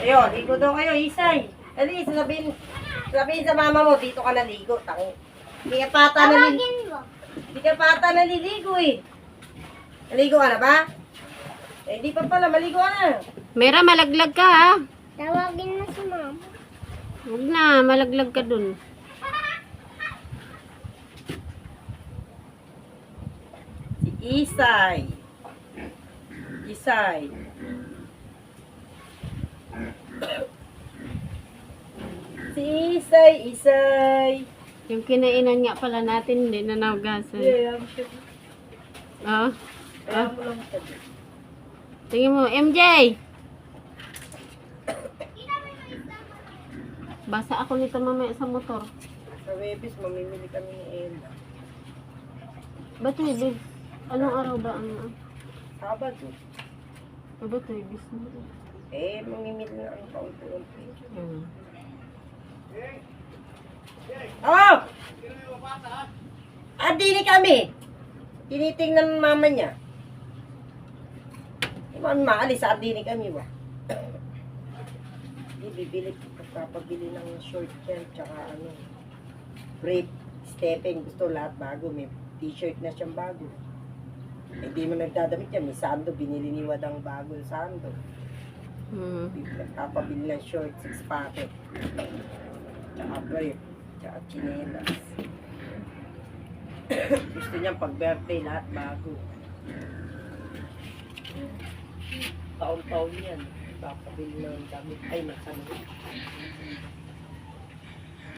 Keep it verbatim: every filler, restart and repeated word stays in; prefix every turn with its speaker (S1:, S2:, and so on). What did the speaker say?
S1: Ayun, ligo daw kayo, Isay. Dali, sabihin, sabihin sa mama mo, dito ka naligo. Tang. Hindi ka pata naliligo.
S2: Tawagin mo.
S1: Hindi ka pata naliligo eh. Naligo ka na ba? Eh, hindi pa pala, maligo ka na.
S3: Mera, malaglag ka ha.
S2: Tawagin mo si mama.
S3: Huwag na, malaglag ka dun.
S1: Si Isay. Isay. Si Isay, Isay.
S3: Yung kinainan nga pala natin, hindi na naugasan.
S1: Yeah, I'm sure.
S3: Oh.
S1: Kaya mo lang ito.
S3: Tingin mo, M J! Basa ako nito mamaya sa motor.
S1: Sa Webis, mamimili kami ni Ella.
S3: Ba't Webis? Anong araw ba ang...
S1: Sabado.
S3: Ah, ba't Webis na?
S1: Eh, mamimili na ang paunti-unti.
S3: Hmm.
S1: Oh! Ah, dini kami. Tinitingnan ng mama niya. Iman maalis, ah, dini kami ba? Hindi, bibili. Kapabili ng short yan, tsaka ano, brief, stepping. Gusto lahat bago. May t-shirt na siyang bago. Eh, di mo nagdadamit yan. May sando, binili ni Wadang bago yung sando.
S3: Hmm.
S1: Nagpapabili ng short, six packet. Tsaka brief, tsaka chinelas. Gusto niya pag birthday, lahat bago. Taon-taon yan. Papabili ng damit. Ay, masama.